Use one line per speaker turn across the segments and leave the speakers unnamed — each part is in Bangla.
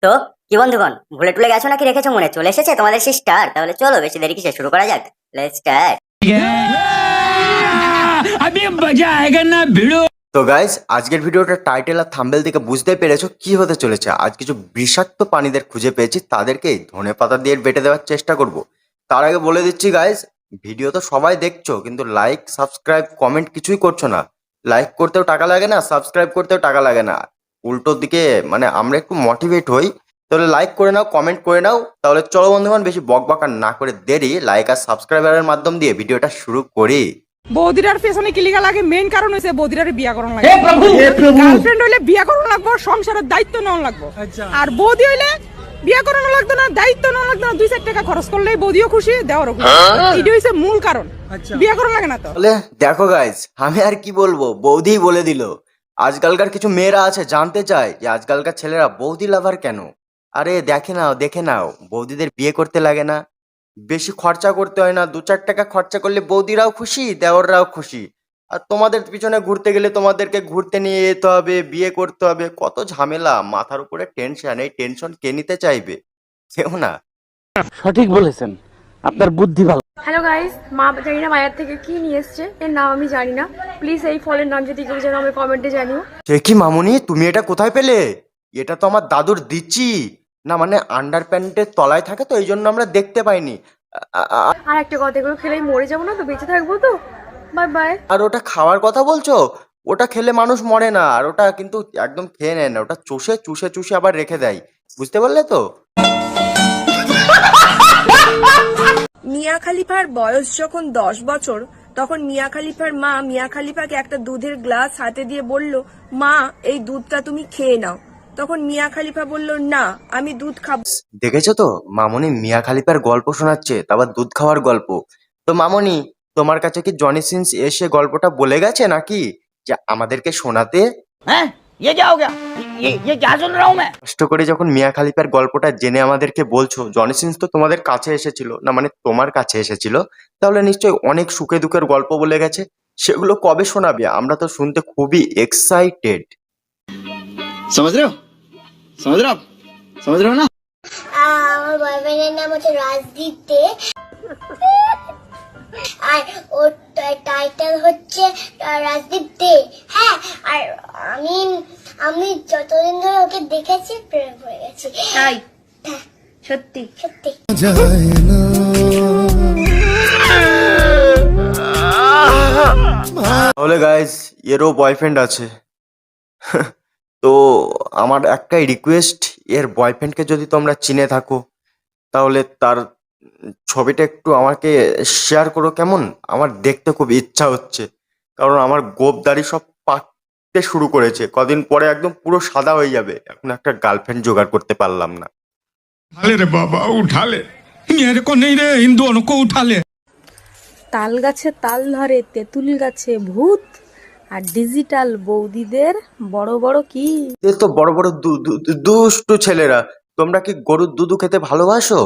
তো কি বন্ধুগণ, ভুলে টুলে গেছো নাকি রেখেছো মনে? চলে এসেছে তোমাদের সিস্টার। তাহলে চলো বেশি দেরি কিসে, শুরু করা যাক। Let's start.
अभी मजा आएगा ना भिड़ो।
তো গাইস, আজকের ভিডিওটা টাইটেল আর থাম্বনেল থেকে বুঝতে পেরেছো কি হতে চলেছে। আজ কিছু বিষাক্ত প্রাণীদের খুঁজে পেয়েছি, তাদেরকে ধনেপাতা দিয়ে বেটে দেওয়ার চেষ্টা করব। তার আগে বলে দিচ্ছি গাইস, ভিডিও তো সবাই দেখছো কিন্তু লাইক সাবস্ক্রাইব কমেন্ট কিছুই করছো না। লাইক করতেও টাকা লাগে না, সাবস্ক্রাইব করতেও টাকা লাগে না। উল্টো দিকে মানে আমরা একটু মোটিভেট হই। তাহলে লাইক করে নাও, কমেন্ট করে নাও। তাহলে চলো বন্ধুগণ, বেশি বকবক আর না করে দেরি, লাইক আর সাবস্ক্রাইবারের মাধ্যম দিয়ে ভিডিওটা শুরু করি।
বৌদিরার পেছনে কি লিগা লাগে? মেইন কারণ হইছে বৌদিরার বিয়া করন লাগে। গার্লফ্রেন্ড হইলে বিয়া করন লাগবো, সংসারের দায়িত্ব নেওয়া লাগবো। আর বৌদি হইলে বিয়া করানো লাগতো না, দায়িত্ব নেওয়া লাগতো না। 2-4 টাকা খরচ করলেই বৌদিও খুশি, দেওয়ারও খুশি। এটা হইছে মূল কারণ। বিয়া করন লাগে না তো।
তাহলে দেখো গাইস, আমি আর কি বলবো, বৌদি বলে দিল। আজকালকার কিছু মেয়েরা আছে জানতে চায় যে আজকালকার ছেলেরা বৌদি লাভার কেন। আরে দেখে নাও, বৌদিদের বিয়ে করতে লাগে না, বেশি খরচা করতে হয় না। 2-4 টাকা খরচা করলে বৌদিরাও খুশি, দেওররাও খুশি। আর তোমাদের পিছনে ঘুরতে গেলে তোমাদেরকে ঘুরতে নিয়ে যেতে হবে, বিয়ে করতে হবে, কত ঝামেলা, মাথার উপরে টেনশন। এই টেনশন কে নিতে চাইবে? কেউ না।
সঠিক বলেছেন, আপনার বুদ্ধি ভালো।
হ্যালো গাইস, মা জানি না বাজার থেকে কি নিয়ে এসছে, এর নাম আমি জানি না। প্লিজ এই ফলের নাম যদি কেউ জানো আমি কমেন্টে জানিও।
সে কি মামুনি, তুমি এটা কোথায় পেলে? এটা তো আমার দাদুর দিচ্ছি না, মানে আন্ডার প্যান্টের তলায় থাকে তো এই জন্য আমরা দেখতে পাইনি।
আর একটা কথা, এগুলো খেলেই মরে যাবো না তো, বেঁচে থাকবো তো। Bye bye.
আর ওটা খাওয়ার কথা বলছো? ওটা খেলে মানুষ মরে না, আর ওটা কিন্তু একদম খেয়ে নেয় না, ওটা চুষে চুষে চুষে আবার রেখে দেয়। বুঝতে পারলে তো?
মিয়া খলিফার বয়স যখন 10 বছর, তখন মিয়া খলিফার মা মিয়া খলিফাকে একটা দুধের গ্লাস হাতে দিয়ে বলল, মা এই দুধটা তুমি খেয়ে নাও। তখন মিয়া খলিফা বলল, না আমি দুধ খাবো।
দেখেছো তো, মামুনি মিয়া খালিফার গল্প শোনাচ্ছে, তারপর দুধ খাওয়ার গল্প। তো মামুনি, তোমার কাছে কি জনি সিন্স এসে গল্পটা বলে গেছে নাকি যে আমাদেরকে শোনাতে?
হ্যাঁ, ये क्या हो गया? ये क्या सुन रहा हूँ मैं?
কষ্ট করে যখন মিয়া খালিফার গল্পটা জেনে আমাদেরকে বলছো, জনি সিন্স তো তোমাদের কাছে এসেছিল না, মানে তোমার কাছে এসেছিল, তাহলে নিশ্চয়ই অনেক সুখে দুঃখের গল্প বলে গেছে। সেগুলো কবে শোনাবে? আমরা তো শুনতে খুবই এক্সাইটেড।
समझ रहे हो समझ रहे हो आप समझ रहे हो ना।
আমার বয়ফ্রেন্ডের নাম হচ্ছে রাজদীপ দে, আর ওর টাইটেল হচ্ছে রাজদীপ দে। হ্যাঁ, আর আমি আমি যতদিন ধরে ওকে দেখেছি প্রেমে পড়ে গেছি।
তাই সত্যি
সত্যি।
তাহলে গাইজ, এরও বয়ফ্রেন্ড আছে। তো আমার একটাই রিকোয়েস্ট, এর বয়ফ্রেন্ডকে যদি তোমরা চিনে থাকো তাহলে তার ছবিটা একটু আমাকে শেয়ার করো কেমন? আমার দেখতে খুব ইচ্ছা হচ্ছে, কারণ আমার গোপ দাড়ি সব পাকতে শুরু করেছে, কদিন পরে একদম পুরো সাদা হয়ে যাবে। এখন একটা গার্লফ্রেন্ড জোগাড় করতে পারলাম না।
उठा ले रे बाबा, उठा ले। मेरे को नहीं रे, इन दोनों को उठा ले।
তাল গাছে তাল ধরে, তেঁতুল গাছে ভূত, আর ডিজিটাল বৌদিদের বড় বড় কি।
এ তো বড় বড় দুষ্টু ছেলেরা। তোমরা কি গরুর দুধু খেতে ভালোবাসো?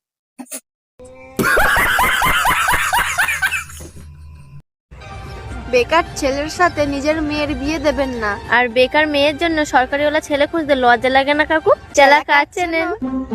বেকার ছেলের সাথে নিজের মেয়ের বিয়ে দেবেন না। আর বেকার মেয়ের জন্য সরকারিওয়ালা ছেলে খুঁজতে লজ্জা লাগে না কাকু? চেলা কাজ চেনেন।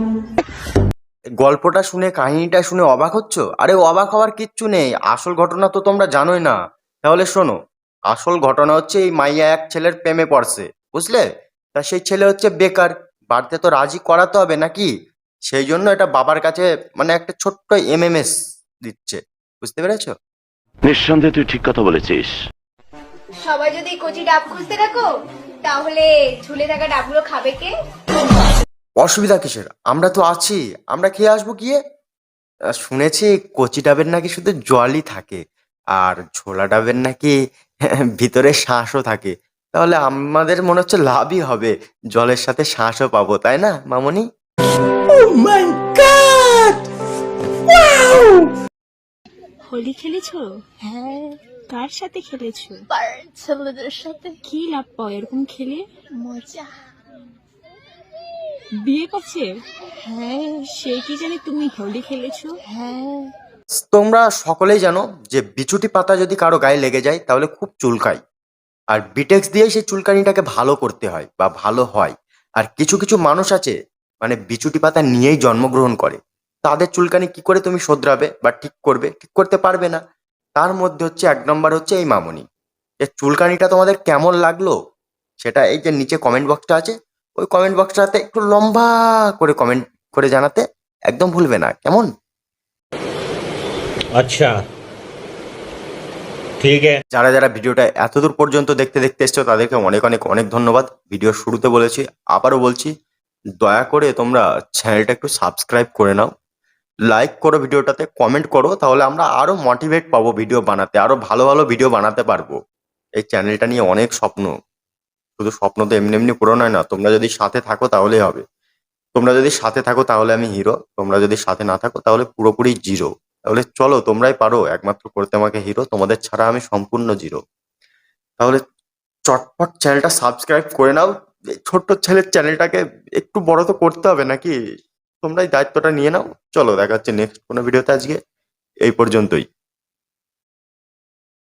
গল্পটা শুনে, কাহিনীটা শুনে অবাক হচ্ছ? আরে অবাক হওয়ার কিচ্ছু নেই, আসল ঘটনা তো তোমরা জানোই না। তাহলে শোনো, আসল ঘটনা হচ্ছে এই মাইয়া এক ছেলের প্রেমে পড়ছে, বুঝলে? তা সেই ছেলে হচ্ছে বেকার, বাড়িতে তো রাজি করাতে হবে নাকি, সেই জন্য এটা বাবার কাছে মানে একটা ছোট্ট এমএমএস দিচ্ছে। বুঝতে পেরেছো?
নিঃসন্দেহে তুই ঠিক কথা বলেছিস।
সবাই যদি কচি ডাব খুঁজতে থাকো, তাহলে ঝুলে থাকা ডাবগুলো খাবে কে?
অসুবিধা কিসের? আমরা তো আছি, আমরা খেয়ে আসবো গিয়ে। শুনেছি কচি ডাবের নাকি শুধু জলই থাকে, আর ঝোলা ডাবের নাকি ভিতরে শ্বাসও থাকে। তাহলে আমাদের মনে হচ্ছে লাভই হবে, জলের সাথে শ্বাসও পাবো, তাই না মামনি?
হোলি খেলেছো? হ্যাঁ। কার সাথে খেলেছো?
ছেলেদের সাথে।
কি লাভ পাও এরকম খেলে?
মজা।
বিয়ে করছে? হ্যাঁ। সে কি জানে তুমি হোলি খেলেছো?
হ্যাঁ।
তোমরা সকলেই জানো যে বিছুটি পাতা যদি কারো গায়ে লেগে যায় তাহলে খুব চুলকায়, আর বিটেক্স দিয়ে সেই চুলকানিটাকে ভালো করতে হয় বা ভালো হয়। আর কিছু কিছু মানুষ আছে মানে বিচুটি পাতা নিয়েই জন্মগ্রহণ করে, তাদের চুলকানি কি করে তুমি শোধরাবে বা ঠিক করবে? ঠিক করতে পারবে না। তার মধ্যে হচ্ছে 1 নম্বর হচ্ছে এই মামুনি। এর চুলকানিটা তোমাদের কেমন লাগলো সেটা এই যে নিচে কমেন্ট বক্সটা আছে, ওই কমেন্ট বক্সটাতে একটু লম্বা করে কমেন্ট করে জানাতে একদম ভুলবে না, কেমন?
अच्छा ठीक है।
যারা যারা ভিডিওটা এতদূর পর্যন্ত দেখতে দেখতে এসছো তাদেরকে অনেক অনেক অনেক ধন্যবাদ। ভিডিওর শুরুতে বলেছি, আবারও বলছি, দয়া করে তোমরা চ্যানেলটা একটু সাবস্ক্রাইব করে নাও, লাইক করো ভিডিওটাতে, কমেন্ট করো, তাহলে আমরা আরো মোটিভেট পাবো ভিডিও বানাতে, আরো ভালো ভালো ভিডিও বানাতে পারবো। এই চ্যানেলটা নিয়ে অনেক স্বপ্ন, শুধু স্বপ্ন তো এমনি এমনি পূরণ হয় না। তোমরা যদি সাথে থাকো তাহলেই হবে। তোমরা যদি সাথে থাকো তাহলে আমি হিরো, তোমরা যদি সাথে না থাকো তাহলে পুরোপুরি জিরো। তাহলে চলো, তোমরাই পারো একমাত্র করতে আমাকে হিরো, তোমাদের ছাড়া আমি সম্পূর্ণ জিরো। তাহলে চটপট চ্যানেলটা সাবস্ক্রাইব করে নাও। এই ছোট্ট ছেলের চ্যানেলটাকে একটু বড় তো করতে হবে নাকি? তোমরাই দায়িত্বটা নিয়ে নাও। চলো, দেখা হচ্ছে নেক্সট কোনো ভিডিওতে। আজকে এই পর্যন্তই।